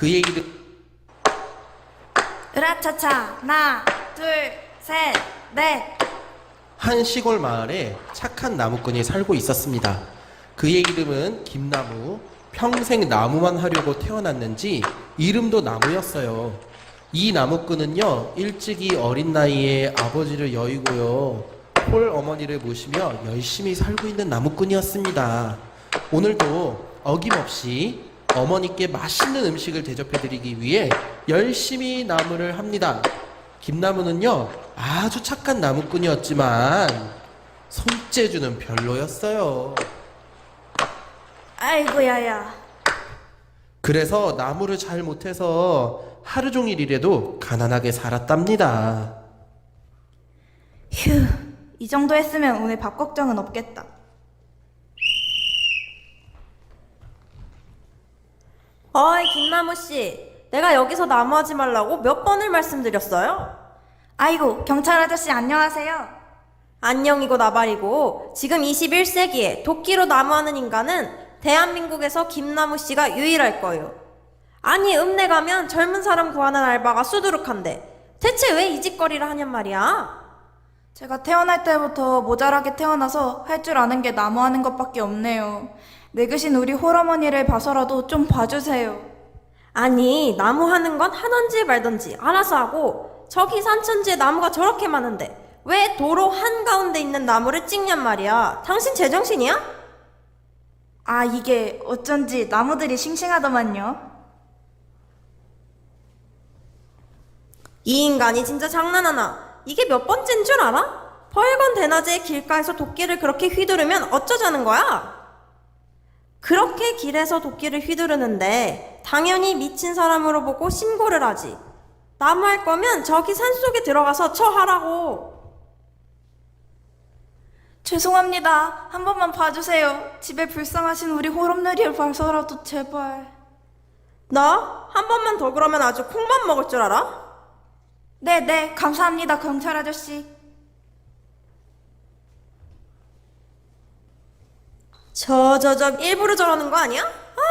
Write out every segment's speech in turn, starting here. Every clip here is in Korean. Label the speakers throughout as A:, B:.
A: 그의 이름
B: 으라차차 하나 둘 셋 넷.
A: 한 시골 마을에 착한 나무꾼이 살고 있었습니다. 그의 이름은 김나무. 평생 나무만 하려고 태어났는지 이름도 나무였어요. 이 나무꾼은요, 일찍이 어린 나이에 아버지를 여의고요, 홀 어머니를 모시며 열심히 살고 있는 나무꾼이었습니다. 오늘도 어김없이 어머니께 맛있는 음식을 대접해드리기 위해 열심히 나무를 합니다. 김나무는요, 아주 착한 나무꾼이었지만 손재주는 별로였어요.
B: 아이고야야.
A: 그래서 나무를 잘 못해서 하루 종일 일해도 가난하게 살았답니다.
B: 휴, 이 정도 했으면 오늘 밥 걱정은 없겠다.
C: 어이 김나무씨, 내가 여기서 나무하지 말라고 몇 번을 말씀드렸어요?
B: 아이고, 경찰 아저씨 안녕하세요.
C: 안녕이고 나발이고 지금 21세기에 도끼로 나무하는 인간은 대한민국에서 김나무씨가 유일할 거예요. 아니 읍내 가면 젊은 사람 구하는 알바가 수두룩한데 대체 왜 이 짓거리를 하냔 말이야?
B: 제가 태어날 때부터 모자라게 태어나서 할 줄 아는 게 나무하는 것밖에 없네요. 늙으신 우리 홀어머니를 봐서라도 좀 봐주세요.
C: 아니 나무하는 건 하던지 말던지 알아서 하고 저기 산천지에 나무가 저렇게 많은데 왜 도로 한가운데 있는 나무를 찍냔 말이야. 당신 제정신이야?
B: 아, 이게 어쩐지 나무들이 싱싱하더만요.
C: 이 인간이 진짜 장난하나? 이게 몇 번째인 줄 알아? 벌건 대낮에 길가에서 도끼를 그렇게 휘두르면 어쩌자는 거야? 그렇게 길에서 도끼를 휘두르는데 당연히 미친 사람으로 보고 신고를 하지. 나무할 거면 저기 산속에 들어가서 처하라고.
B: 죄송합니다. 한 번만 봐주세요. 집에 불쌍하신 우리 홀엄누리를 봐서라도 제발.
C: 너 한 번만 더 그러면 아주 콩만 먹을 줄 알아?
B: 네, 감사합니다, 경찰 아저씨.
C: 일부러 저러는 거 아니야?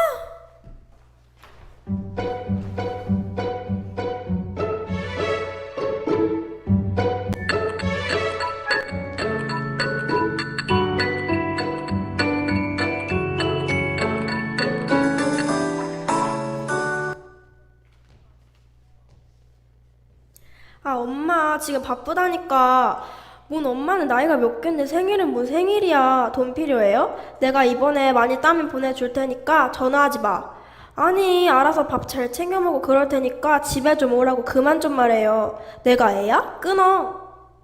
D: 아, 엄마, 지금 바쁘다니까. 뭔 엄마는 나이가 몇 갠데 생일은 뭔 생일이야. 돈 필요해요? 내가 이번에 많이 따면 보내줄 테니까 전화하지 마. 아니, 알아서 밥 잘 챙겨 먹고 그럴 테니까 집에 좀 오라고 그만 좀 말해요. 내가 애야? 끊어.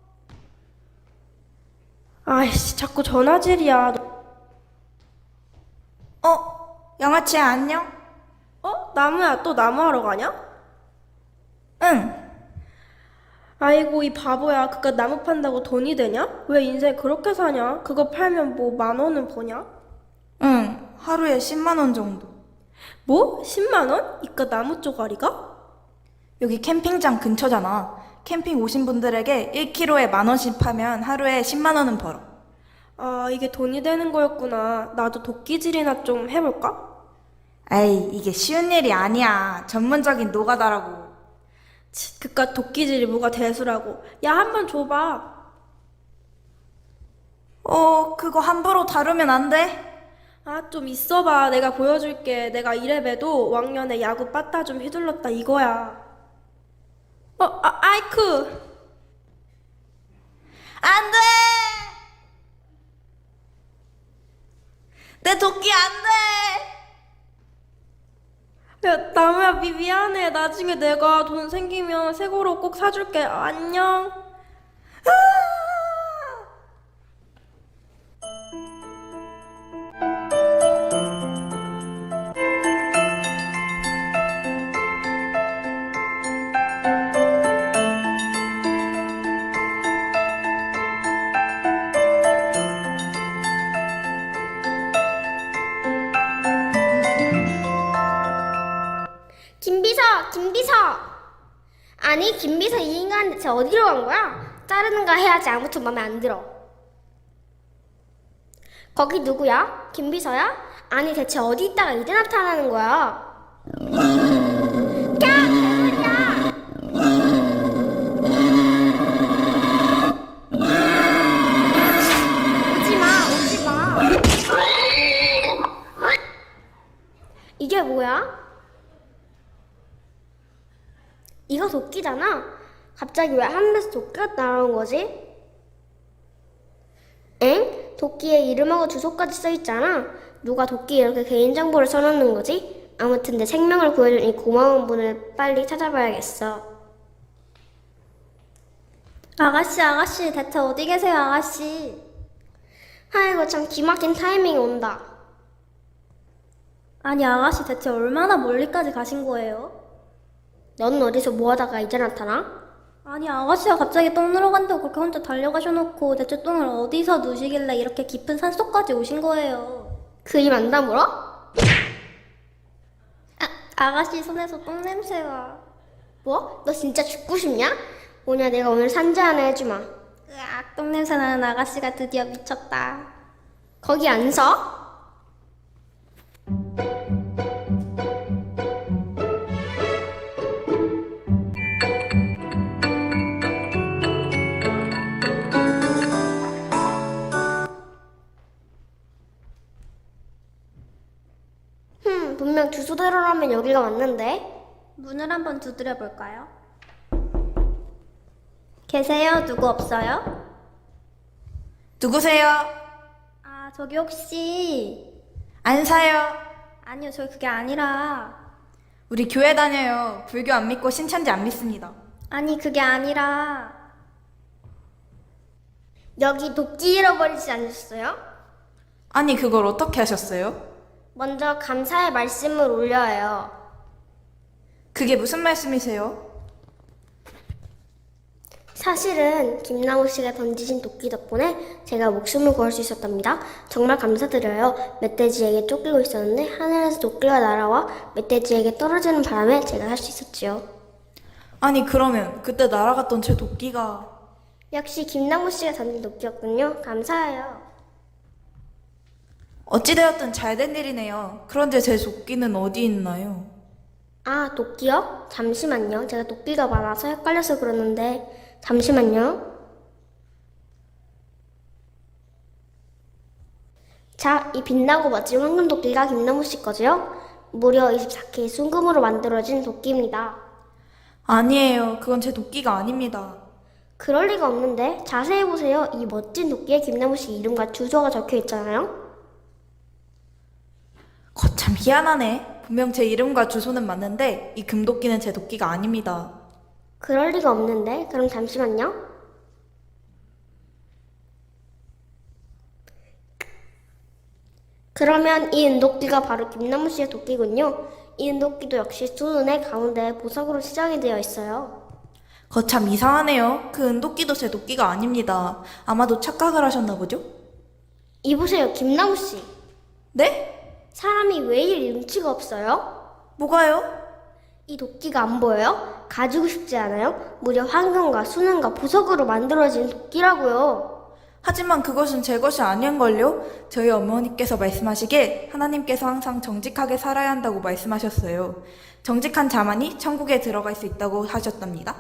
D: 아이씨, 자꾸 전화질이야.
B: 양아치야, 안녕?
D: 나무야, 또 나무하러 가냐?
B: 응.
D: 아이고, 이 바보야. 그깟 나무 판다고 돈이 되냐? 왜 인생 그렇게 사냐? 그거 팔면 뭐 10,000원은 버냐?
B: 응, 하루에 10만 원 정도.
D: 뭐? 10만원? 이깟 나무 쪼가리가?
B: 여기 캠핑장 근처잖아. 캠핑 오신 분들에게 1kg에 10,000원씩 파면 하루에 10만 원은 벌어.
D: 아, 이게 돈이 되는 거였구나. 나도 도끼질이나 좀 해볼까?
B: 에이, 이게 쉬운 일이 아니야. 전문적인 노가다라고.
D: 그깟 도끼질이 뭐가 대수라고. 야, 한 번 줘봐.
B: 그거 함부로 다루면 안 돼?
D: 아, 좀 있어봐. 내가 보여줄게. 내가 이래봬도 왕년에 야구 빠따 좀 휘둘렀다 이거야. 아이쿠.
B: 안 돼! 내 도끼 안 돼!
D: 야, 나무야, 미안해. 나중에 내가 돈 생기면 새 거로 꼭 사줄게. 안녕.
E: 김비서! 아니, 김비서 이 인간 대체 어디로 간 거야? 자르는가 해야지. 아무튼 맘에 안 들어. 거기 누구야? 김비서야? 아니, 대체 어디 있다가 이제 나타나는 거야? 네가 도끼잖아. 갑자기 왜 하늘에서 도끼가 날아온 거지? 엥? 도끼에 이름하고 주소까지 써있잖아. 누가 도끼에 이렇게 개인정보를 써놓는 거지? 아무튼 내 생명을 구해준 이 고마운 분을 빨리 찾아봐야겠어.
D: 아가씨, 대체 어디 계세요, 아가씨?
E: 아이고 참 기막힌 타이밍이 온다.
D: 아니, 아가씨 대체 얼마나 멀리까지 가신 거예요?
E: 넌 어디서 뭐하다가 이제 나타나?
D: 아니, 아가씨가 갑자기 똥 누러 간다고 그렇게 혼자 달려가셔놓고 대체 똥을 어디서 누시길래 이렇게 깊은 산속까지 오신 거예요?
E: 그 입 안 다물어?
D: 아가씨 손에서 똥 냄새가.
E: 뭐? 너 진짜 죽고 싶냐? 뭐냐 내가 오늘 산재 하나 해주마.
D: 으악, 똥 냄새 나는 아가씨가 드디어 미쳤다.
E: 거기 안 서? 분명 주소대로라면 여기가 맞는데?
D: 문을 한번 두드려 볼까요? 계세요? 누구 없어요?
B: 누구세요?
D: 아, 저기 혹시.
B: 안 사요.
D: 아니요, 저 그게 아니라.
B: 우리 교회 다녀요. 불교 안 믿고 신천지 안 믿습니다.
D: 아니, 그게 아니라.
E: 여기 도끼 잃어버리지 않으셨어요?
B: 아니, 그걸 어떻게 하셨어요?
E: 먼저 감사의 말씀을 올려요.
B: 그게 무슨 말씀이세요?
E: 사실은 김나무 씨가 던지신 도끼 덕분에 제가 목숨을 구할 수 있었답니다. 정말 감사드려요. 멧돼지에게 쫓기고 있었는데 하늘에서 도끼가 날아와 멧돼지에게 떨어지는 바람에 제가 할 수 있었지요.
B: 아니, 그러면 그때 날아갔던 제 도끼가...
E: 역시 김나무 씨가 던진 도끼였군요. 감사해요.
B: 어찌되었든 잘된 일이네요. 그런데 제 도끼는 어디 있나요?
E: 아, 도끼요? 잠시만요. 제가 도끼가 많아서 헷갈려서 그러는데 잠시만요. 자, 이 빛나고 멋진 황금 도끼가 김나무 씨 거지요? 무려 24K 순금으로 만들어진 도끼입니다.
B: 아니에요. 그건 제 도끼가 아닙니다.
E: 그럴 리가 없는데 자세히 보세요. 이 멋진 도끼에 김나무 씨 이름과 주소가 적혀 있잖아요.
B: 거참 희한하네. 분명 제 이름과 주소는 맞는데 이 금도끼는 제 도끼가 아닙니다.
E: 그럴 리가 없는데 그럼 잠시만요. 그러면 이 은도끼가 바로 김나무 씨의 도끼군요. 이 은도끼도 역시 두 눈의 가운데 보석으로 시장이 되어 있어요.
B: 거참 이상하네요. 그 은도끼도 제 도끼가 아닙니다. 아마도 착각을 하셨나 보죠?
E: 이보세요, 김나무 씨.
B: 네?
E: 사람이 왜 이리 눈치가 없어요?
B: 뭐가요?
E: 이 도끼가 안 보여요? 가지고 싶지 않아요? 무려 황금과 순금과 보석으로 만들어진 도끼라고요.
B: 하지만 그것은 제 것이 아닌걸요? 저희 어머니께서 말씀하시길 하나님께서 항상 정직하게 살아야 한다고 말씀하셨어요. 정직한 자만이 천국에 들어갈 수 있다고 하셨답니다.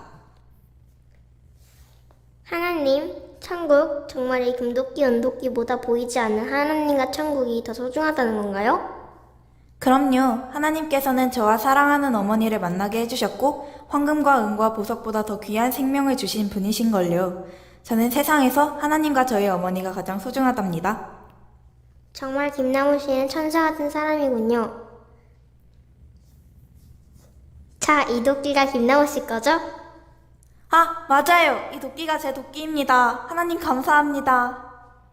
E: 하나님, 천국, 정말 이 금도끼, 은도끼보다 보이지 않는 하나님과 천국이 더 소중하다는 건가요?
B: 그럼요. 하나님께서는 저와 사랑하는 어머니를 만나게 해주셨고 황금과 은과 보석보다 더 귀한 생명을 주신 분이신걸요. 저는 세상에서 하나님과 저희 어머니가 가장 소중하답니다.
E: 정말 김나무 씨는 천사 같은 사람이군요. 자, 이 도끼가 김나무 씨 거죠?
B: 아, 맞아요. 이 도끼가 제 도끼입니다. 하나님 감사합니다.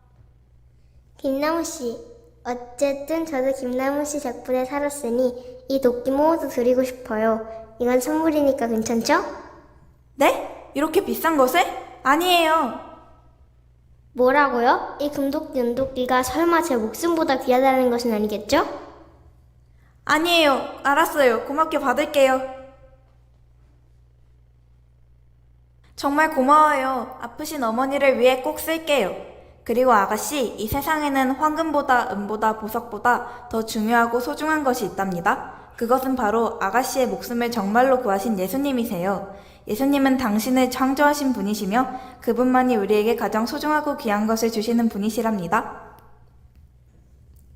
E: 김나무 씨, 어쨌든 저도 김나무 씨 덕분에 살았으니 이 도끼 모두 드리고 싶어요. 이건 선물이니까 괜찮죠?
B: 네? 이렇게 비싼 것을? 아니에요.
E: 뭐라고요? 이 금도끼, 은도끼가 설마 제 목숨보다 귀하다는 것은 아니겠죠?
B: 아니에요. 알았어요. 고맙게 받을게요. 정말 고마워요. 아프신 어머니를 위해 꼭 쓸게요. 그리고 아가씨, 이 세상에는 황금보다 은보다 보석보다 더 중요하고 소중한 것이 있답니다. 그것은 바로 아가씨의 목숨을 정말로 구하신 예수님이세요. 예수님은 당신을 창조하신 분이시며 그분만이 우리에게 가장 소중하고 귀한 것을 주시는 분이시랍니다.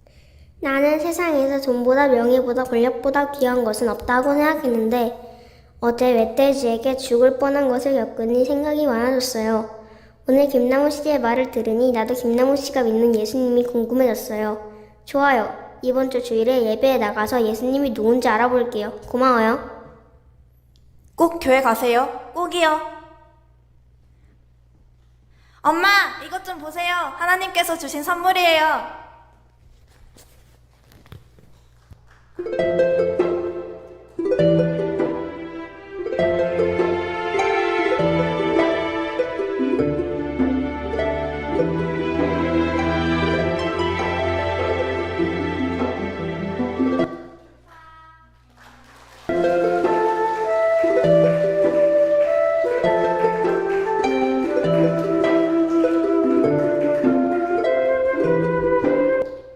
E: 나는 세상에서 돈보다 명예보다 권력보다 귀한 것은 없다고 생각했는데 어제 멧돼지에게 죽을 뻔한 것을 겪으니 생각이 많아졌어요. 오늘 김나무 씨의 말을 들으니 나도 김나무 씨가 믿는 예수님이 궁금해졌어요. 좋아요. 이번 주 주일에 예배에 나가서 예수님이 누군지 알아볼게요. 고마워요.
B: 꼭 교회 가세요. 꼭이요. 엄마, 이것 좀 보세요. 하나님께서 주신 선물이에요.